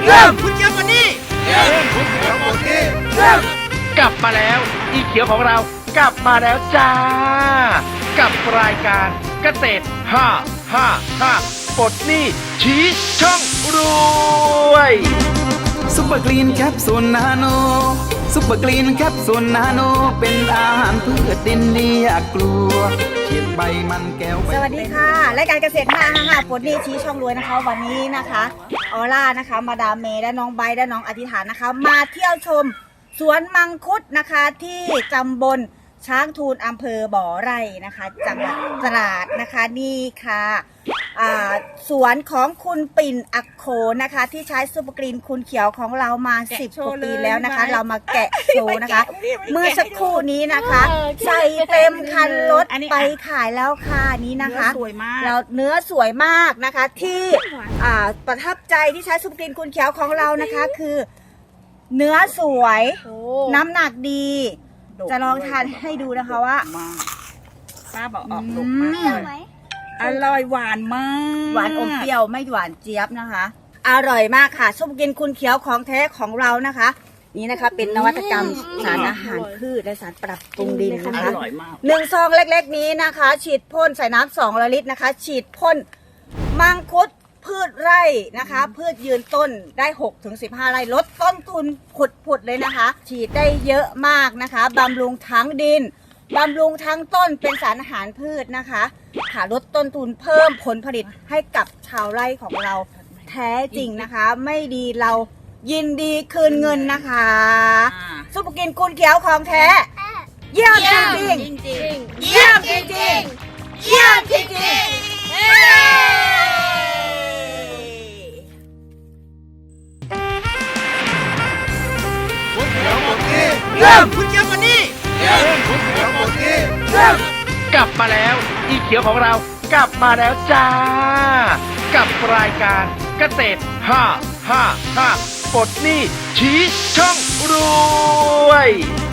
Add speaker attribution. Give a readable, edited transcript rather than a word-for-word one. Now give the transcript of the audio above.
Speaker 1: เริ่มคุณเขียวมานี่เริ่มคุณเขียวมานี่เริ่ม
Speaker 2: กลับมาแล้วอีเขียวของเรากลับมาแล้วจ้า กับรายการเกษตร555ปลดหนี้ชี้ช่องรวย
Speaker 3: ซุปเปอร์กรีนแคปซูลนาโนซุปเปอร์กรีนแคปซูลนาโนเป็นอาหารพืชดินดีอย่ากลัวเขียนใบมันแก้วใบ
Speaker 4: สวัสดีค่ะรายการเกษตร555ปลดหนี้ชี้ช่องรวยนะคะ วันนี้นะคะออร่านะคะมาดามเมย์และน้องไบร์ทและน้องอธิษฐานนะคะ มาเที่ยวชมสวนมังคุดนะคะที่ตำบลช้างทูลอำเภอบ่อไร่นะคะจังหวัดตราดนะคะนี่ค่ะสวนของคุณปิ่นอักโขนะคะที่ใช้ซุปเปอร์กรีนคุณเขียวของเรามา10 กว่าปีแล้วนะคะ เรามาแกะโชว์นะคะ เมื่อสักครู่นี้นะคะใส่เต็มคันรถไปขายแล้วค่ะนี้นะคะสวยมากแล้วเนื้อสวยมากนะคะที่ประทับใจที่ใช้ซุปเปอร์กรีนคุณเขียวของเรานะคะคือเนื้อสวยน้ำหนักดีจะลองทานให้ดูนะคะว่าป้าบอกออกลูกมากอร่อยหวานมากหวานอมเปรี้ยวไม่หวานเจี๊ยบนะคะอร่อยมากค่ะซุปเปอร์กรีนคุณเขียวของแท้ของเรานะคะนี่นะคะเป็นนวัตกรรมสารอาหารพืชและสารปรับปรุงดินนะคะ1 ซองเล็กๆนี้นะคะฉีดพ่นใส่น้ำ2 ลิตรนะคะฉีดพ่นมังคุดพืชไร่นะคะพืชยืนต้นได้6-15 ไร่ลดต้นทุนผุดเลยนะคะฉีดได้เยอะมากนะคะบำรุงทั้งดินบำรุงทั้งต้นเป็นสารอาหารพืชนะคะค่ะลดต้นทุนเพิ่มผลผลิตให้กับชาวไร่ของเราแท้จริงนะคะไม่ดีเรายินดีคืนเงินนะคะซุปเปอร์กรีนคุณเขียวของแท้เยี่ยมจริงๆเยี่ยมจริงๆเยี่ยมจริงๆ
Speaker 1: เริ่มคุณเขียวมานี่เริ่มคุณเขียวมานี่เริ่ม
Speaker 2: กลับมาแล้วอีเขียวของเรากลับมาแล้วจ้า กับรายการเกษตร555ปลดหนี้ชี้ช่องรวย